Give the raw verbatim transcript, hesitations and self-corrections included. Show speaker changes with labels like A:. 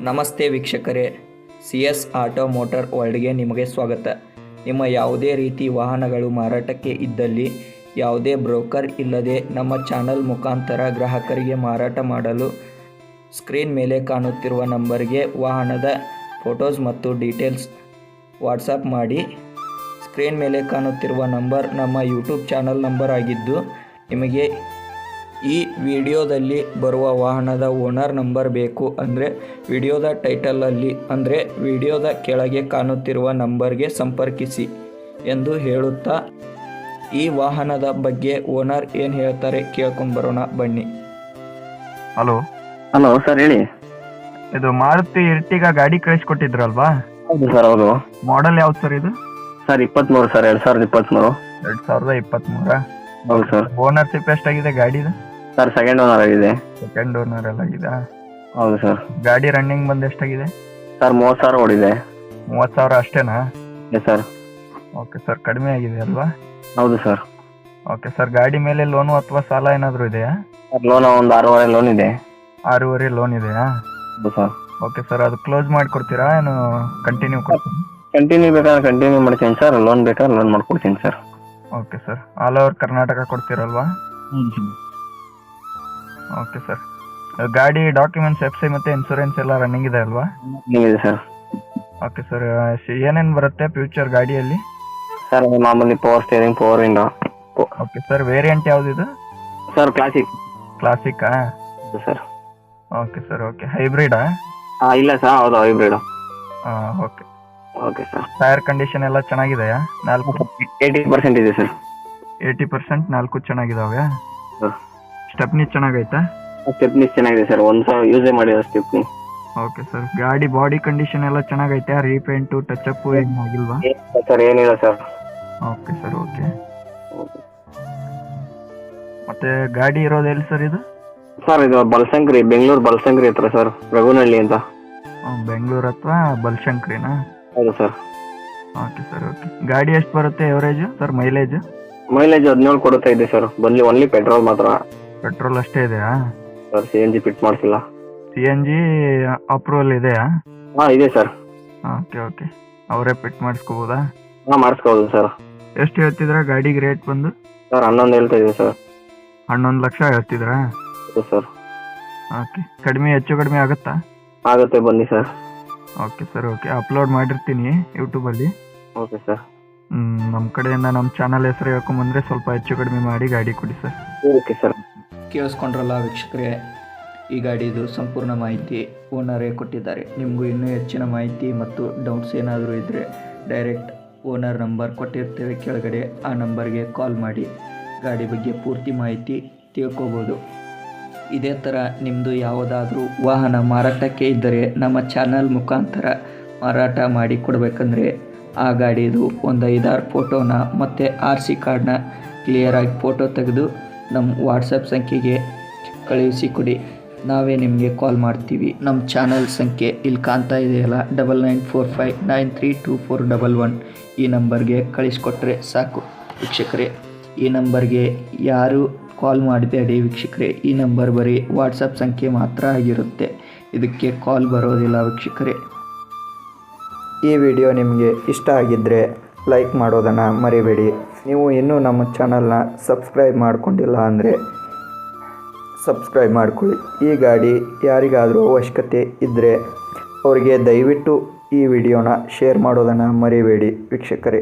A: ನಮಸ್ತೆ ವೀಕ್ಷಕರೇ, C S auto motor ವರ್ಲ್ಡ್ಗೆ ನಿಮಗೆ ಸ್ವಾಗತ. ನಿಮ್ಮ ಯಾವುದೇ ರೀತಿ ವಾಹನಗಳು ಮಾರಾಟಕ್ಕೆ ಇದ್ದಲ್ಲಿ ಯಾವುದೇ ಬ್ರೋಕರ್ ಇಲ್ಲದೆ ನಮ್ಮ ಚಾನಲ್ ಮುಖಾಂತರ ಗ್ರಾಹಕರಿಗೆ ಮಾರಾಟ ಮಾಡಲು ಸ್ಕ್ರೀನ್ ಮೇಲೆ ಕಾಣುತ್ತಿರುವ ನಂಬರ್ಗೆ ವಾಹನದ ಫೋಟೋಸ್ ಮತ್ತು ಡೀಟೇಲ್ಸ್ ವಾಟ್ಸಪ್ ಮಾಡಿ. ಸ್ಕ್ರೀನ್ ಮೇಲೆ ಕಾಣುತ್ತಿರುವ ನಂಬರ್ ನಮ್ಮ ಯೂಟ್ಯೂಬ್ ಚಾನಲ್ ನಂಬರ್ ಆಗಿದ್ದು, ನಿಮಗೆ ಈ ವಿಡಿಯೋದಲ್ಲಿ ಬರುವ ವಾಹನದ ಓನರ್ ನಂಬರ್ ಬೇಕು ಅಂದರೆ ವಿಡಿಯೋದ ಟೈಟಲಲ್ಲಿ ಅಂದರೆ ವಿಡಿಯೋದ ಕೆಳಗೆ ಕಾಣುತ್ತಿರುವ ನಂಬರ್ಗೆ ಸಂಪರ್ಕಿಸಿ ಎಂದು ಹೇಳುತ್ತಾ ಈ ವಾಹನದ ಬಗ್ಗೆ ಓನರ್ ಏನು ಹೇಳ್ತಾರೆ ಕೇಳ್ಕೊಂಡು ಬರೋಣ ಬನ್ನಿ.
B: ಹಲೋ
C: ಹಲೋ ಸರ್, ಹೇಳಿ.
B: ಇದು ಮಾರುತಿ ಎರ್ಟಿಗಾ ಗಾಡಿ ಕಳಿಸ್ಕೊಟ್ಟಿದ್ರಲ್ವಾ?
C: ಹೌದು ಸರ್, ಹೌದು.
B: ಮಾಡೆಲ್ ಯಾವ್ದು ಸರ್ ಇದು?
C: ಸರ್ ಇಪ್ಪತ್ತ್ಮೂರು ಸರ್, ಎರಡು ಸಾವಿರದ ಇಪ್ಪತ್ತ್ಮೂರು.
B: ಎರಡ್ ಸಾವಿರದ ಇಪ್ಪತ್ತ್ಮೂರ
C: ಹೌದು ಸರ್.
B: ಓನರ್ಶಿಪ್ ಎಷ್ಟಾಗಿದೆ ಗಾಡಿದು?
C: ಸರ್ ಸೆಕೆಂಡ್ ಓನರ್ ಆಗಿದೆ.
B: ಸೆಕೆಂಡ್ ಓನರ್ ಎಲ್ಲ ಆಗಿದೆ.
C: ಹೌದು ಸರ್.
B: ಗಾಡಿ ರನ್ನಿಂಗ್ ಬಂದು ಎಷ್ಟಾಗಿದೆ?
C: ಸರ್ ಮೂವತ್ತು ಸಾವಿರ ಓಡಿದೆ.
B: ಮೂವತ್ತು ಸಾವಿರ ಅಷ್ಟೇನಾ?
C: Yes sir.
B: ಓಕೆ ಸರ್, ಕಡಿಮೆ ಆಗಿದೆ ಅಲ್ವಾ?
C: ಹೌದು ಸರ್.
B: ಓಕೆ ಸರ್, ಗಾಡಿ ಮೇಲೆ ಲೋನು ಅಥವಾ ಸಾಲ ಏನಾದರೂ ಇದೆಯಾ?
C: ಸರ್ ಲೋನ್ ಒಂದು ಆರೂವರೆ ಲೋನ್ ಇದೆ.
B: ಆರೂವರೆ ಲೋನ್ ಇದೆಯಾ?
C: ಹೌದು ಸರ್.
B: ಓಕೆ ಸರ್, ಅದು ಕ್ಲೋಸ್ ಮಾಡಿಕೊಡ್ತೀರಾ ಏನು ಕಂಟಿನ್ಯೂ ಕೊಡ್ತೀನಿ?
C: ಕಂಟಿನ್ಯೂ ಬೇಕಾದ್ರೆ ಕಂಟಿನ್ಯೂ ಮಾಡ್ತೀನಿ ಸರ್, ಲೋನ್ ಬೇಕಾದ್ರೆ ಲೋನ್ ಮಾಡ್ಕೊಡ್ತೀನಿ sir.
B: Okay sir, all over Karnataka ಕೊಡ್ತೀರಲ್ವಾ?
C: ಹ್ಞೂ ಸರ್.
B: ಓಕೆ ಸರ್, ಗಾಡಿ ಡಾಕ್ಯುಮೆಂಟ್ಸ್ ಎಫ್ ಸಿ ಮತ್ತು ಇನ್ಸೂರೆನ್ಸ್ ಎಲ್ಲ ರನ್ನಿಂಗ್ ಇದೆ ಅಲ್ವಾ?
C: ಇದೆ ಸರ್.
B: ಓಕೆ ಸರ್, ಏನೇನು ಬರುತ್ತೆ ಫ್ಯೂಚರ್ ಗಾಡಿಯಲ್ಲಿ?
C: ಸರ್ ಮಾಮೂಲಿ power steering, power window.
B: Okay sir, variant ಯಾವುದಿದು?
C: Sir classic.
B: ಕ್ಲಾಸಿಕ್ಕಾ?
C: ಹೌದು ಸರ್.
B: Okay sir, okay. ಹೈಬ್ರಿಡಾ?
C: ಹಾಂ ಇಲ್ಲ ಸರ್, ಹೌದು ಹೈಬ್ರಿಡು.
B: ಹಾಂ, okay.
C: Okay sir.
B: Tyre condition ಎಲ್ಲ ಚೆನ್ನಾಗಿದೆಯಾ? ನಾಲ್ಕು
C: ಏಯ್ಟಿ ಪರ್ಸೆಂಟ್ ಇದೆ ಸರ್.
B: ಏಯ್ಟಿ ಪರ್ಸೆಂಟ್ ನಾಲ್ಕು ಚೆನ್ನಾಗಿದಾವೆ.
C: ಸರ್
B: ಸ್ಟೆಪ್ನಿ ಚೆನ್ನಾಗೈತಾ?
C: ಸ್ಟೆಪ್ನಿ ಚೆನ್ನಾಗಿದೆ ಸರ್, ಒಂದು ಸಾವಿರ ಯೂಸೇ ಮಾಡಿರೋ ಸ್ಟೆಪ್ನಿ.
B: ಓಕೆ ಸರ್, ಗಾಡಿ ಬಾಡಿ ಕಂಡೀಷನ್ ಎಲ್ಲ ಚೆನ್ನಾಗೈತೆ? ರೀಪೇಂಟು ಟಚ್ ಅಪ್ ಏನು ಆಗಿಲ್ವಾ?
C: ಸರ್ ಏನಿಲ್ಲ ಸರ್.
B: Okay sir, okay. ಮತ್ತೆ ಗಾಡಿ ಇರೋದು ಎಲ್ಲಿ ಸರ್ ಇದು?
C: ಸರ್ ಇದು ಬಲಶಂಕರಿ, ಬೆಂಗಳೂರು ಬಲಶಂಕರಿ ಹತ್ರ ಸರ್, ರಘುನಹಳ್ಳಿ ಅಂತ.
B: ಬೆಂಗಳೂರು ಹತ್ರ ಬಲಶಂಕರಿನಾ?
C: ಹೌದು ಸರ್.
B: Okay sir, okay. ಗಾಡಿ ಎಷ್ಟು ಬರುತ್ತೆ ಎವರೇಜು ಸರ್, ಮೈಲೇಜ್?
C: ಮೈಲೇಜ್ ಹದಿನೇಳು ಕೊಡ್ತಾ ಇದೆ ಸರ್, ಬನ್ನಿ ಓನ್ಲಿ ಪೆಟ್ರೋಲ್ ಮಾತ್ರ.
B: ಪೆಟ್ರೋಲ್ ಅಷ್ಟೇ ಇದೆಯಾ
C: sir? C N G fit ಮಾಡಿಸಿಲ್ಲ.
B: ಸಿ ಎನ್ ಜಿ ಅಪ್ರೂವಲ್ ಇದೆಯಾ?
C: ಹಾಂ ಇದೆ ಸರ್.
B: ಓಕೆ ಓಕೆ, ಅವರೇ ಫಿಟ್ ಮಾಡಿಸ್ಕೋಬೋದಾ?
C: ಹಾಂ ಮಾಡಿಸ್ಕೋಬೋದು ಸರ್.
B: ಎಷ್ಟು ಹೇಳ್ತಿದ್ರಾ ಗಾಡಿಗೆ ರೇಟ್ ಬಂದು?
C: ಸರ್ ಹನ್ನೊಂದು ಹೇಳ್ತಾ ಇದೆ ಸರ್.
B: ಹನ್ನೊಂದು ಲಕ್ಷ ಹೇಳ್ತಿದ್ರಾ?
C: ಹೌದು ಸರ್.
B: ಓಕೆ, ಕಡಿಮೆ ಹೆಚ್ಚು ಕಡಿಮೆ ಆಗುತ್ತಾ?
C: ಆಗುತ್ತೆ ಬನ್ನಿ sir.
B: Okay sir, okay. Upload ಮಾಡಿರ್ತೀನಿ ಯೂಟ್ಯೂಬಲ್ಲಿ.
C: Okay sir.
B: ನಮ್ಮ ಕಡೆಯಿಂದ ನಮ್ಮ ಚಾನಲ್ ಹೆಸರು ಹೇಳ್ಕೊಂಬಂದರೆ ಸ್ವಲ್ಪ ಹೆಚ್ಚು ಕಡಿಮೆ ಮಾಡಿ ಗಾಡಿ ಕೊಡಿ ಸರ್.
C: Okay sir.
A: ಕೇಳಿಸ್ಕೊಂಡ್ರಲ್ಲ ವೀಕ್ಷಕರೇ, ಈ ಗಾಡಿದು ಸಂಪೂರ್ಣ ಮಾಹಿತಿ ಓನರೇ ಕೊಟ್ಟಿದ್ದಾರೆ. ನಿಮಗೂ ಇನ್ನೂ ಹೆಚ್ಚಿನ ಮಾಹಿತಿ ಮತ್ತು ಡೌಟ್ಸ್ ಏನಾದರೂ ಇದ್ದರೆ ಡೈರೆಕ್ಟ್ ಓನರ್ ನಂಬರ್ ಕೊಟ್ಟಿರ್ತೇವೆ ಕೆಳಗಡೆ, ಆ ನಂಬರ್ಗೆ ಕಾಲ್ ಮಾಡಿ ಗಾಡಿ ಬಗ್ಗೆ ಪೂರ್ತಿ ಮಾಹಿತಿ ತಿಳ್ಕೊಬೋದು. ಇದೇ ಥರ ನಿಮ್ಮದು ಯಾವುದಾದ್ರೂ ವಾಹನ ಮಾರಾಟಕ್ಕೆ ಇದ್ದರೆ ನಮ್ಮ ಚಾನಲ್ ಮುಖಾಂತರ ಮಾರಾಟ ಮಾಡಿ ಕೊಡಬೇಕಂದ್ರೆ ಆ ಗಾಡಿದು ಒಂದು ಐದಾರು ಫೋಟೋನ ಮತ್ತು ಆರ್ ಸಿ ಕಾರ್ಡ್ನ ಕ್ಲಿಯರಾಗಿ ಫೋಟೋ ತೆಗೆದು ನಮ್ಮ ವಾಟ್ಸಪ್ ಸಂಖ್ಯೆಗೆ ಕಳುಹಿಸಿ ಕೊಡಿ, ನಾವೇ ನಿಮಗೆ ಕಾಲ್ ಮಾಡ್ತೀವಿ. ನಮ್ಮ ಚಾನಲ್ ಸಂಖ್ಯೆ ಇಲ್ಲಿ ಕಾಣ್ತಾ ಇದೆಯಲ್ಲ, double nine four five nine three two four double one, ಈ ನಂಬರ್ಗೆ ಕಳಿಸ್ಕೊಟ್ರೆ ಸಾಕು ವೀಕ್ಷಕರೇ. ಈ ನಂಬರ್ಗೆ ಯಾರು ಕಾಲ್ ಮಾಡಬೇಡಿ ವೀಕ್ಷಕರೇ, ಈ ನಂಬರ್ ಬರೀ ವಾಟ್ಸಪ್ ಸಂಖ್ಯೆ ಮಾತ್ರ ಆಗಿರುತ್ತೆ, ಇದಕ್ಕೆ ಕಾಲ್ ಬರೋದಿಲ್ಲ ವೀಕ್ಷಕರೇ. ಈ ವಿಡಿಯೋ ನಿಮಗೆ ಇಷ್ಟ ಆಗಿದ್ದರೆ ಲೈಕ್ ಮಾಡೋದನ್ನು ಮರಿಬೇಡಿ. ನೀವು ಇನ್ನೂ ನಮ್ಮ ಚಾನಲ್ನ ಸಬ್ಸ್ಕ್ರೈಬ್ ಮಾಡ್ಕೊಂಡಿಲ್ಲ ಅಂದರೆ ಸಬ್ಸ್ಕ್ರೈಬ್ ಮಾಡ್ಕೊಳ್ಳಿ. ಈ ಗಾಡಿ ಯಾರಿಗಾದರೂ ಅವಶ್ಯಕತೆ ಇದ್ದರೆ ಅವರಿಗೆ ದಯವಿಟ್ಟು ಈ ವಿಡಿಯೋನ ಶೇರ್ ಮಾಡೋದನ್ನು ಮರಿಬೇಡಿ ವೀಕ್ಷಕರೇ.